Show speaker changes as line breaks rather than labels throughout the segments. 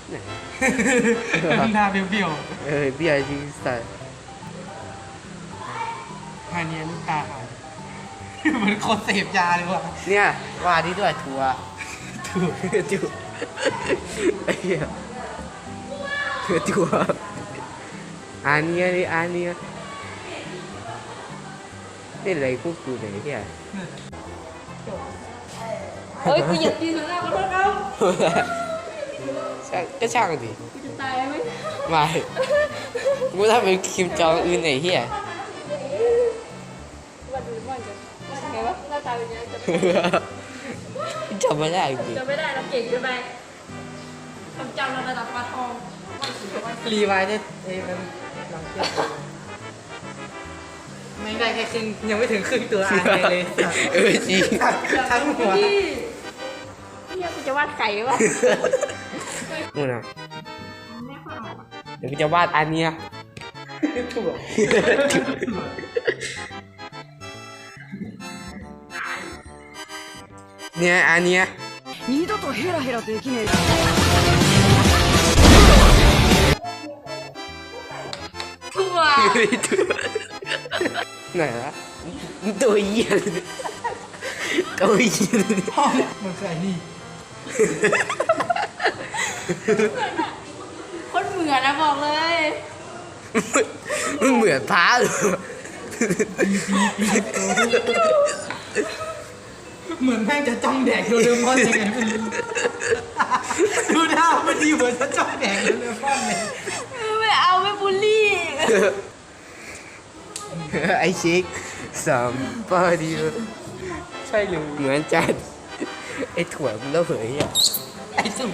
ไหน
หน้าเบี้ยว
เบี้ยจริงสัตว์
ๆอันนี้ลูกตาหายเหมือนคนเสพยาเลยว่ะ
เนี่ยว่าที่ด้วยทัวร์
ถูก
จุไอ้เหี้ยทัวร์อันเนี้ยนี่อันเนี้ยนี่อะไรพวกกูไหนเหี้ย
เฮ้ยกูเหยียบตีนข้างหน้าขอโทษครับ
ก็ช่างดิ
กูจะตายไหม
ไม่กูถ้าเป็นคิมจองอึนไหนเหี้ย
วันดูมันจะไงวะหน้าตาเป็นยังไง
จำไม่ได้จริง
จะไม่ได้เราเก่งเกินไปความจำเราระดับปลาทอง
รีไวน์เนี่ยมันลองเทียบกันไม่ได้แค่ครึ่งยังไม่ถึงครึ่งตัวอ่านเลย
จริง
ทั้งหัว
พี่เนี่ยกูจะวาดไก่วะ
นู่นนะ
แม่ข้าวอ่ะ
เดี๋ยวกูจะวาดอันเนี้ย
ถูก
เนี่ยอันเนี้ย
二度とヘラヘラできねえ
ทั่ว
ไหนวะตัวเหี้ยตัวเหี้ย
มันคือไอ้นี่
คนเหมือนนะบอกเลย
มันเหมือนพระเลย
เหมือนแม่งจะจ้องแดกโดเรมอนยังไงไม่รู้ดูหน้ามันดีเหมือนจะจ้องแดกโดเรมอนเลย
ไม่เอาไม่บูลลี่
ไอชิคสัมปาดีใช่เลยเหมือนจัดไอถั่วมันระเบิดอ่ะ
ไอ้สุ่ม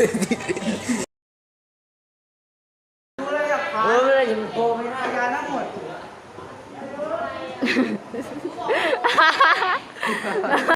ยมันโกงไม่ได้
ยาทั้งหมด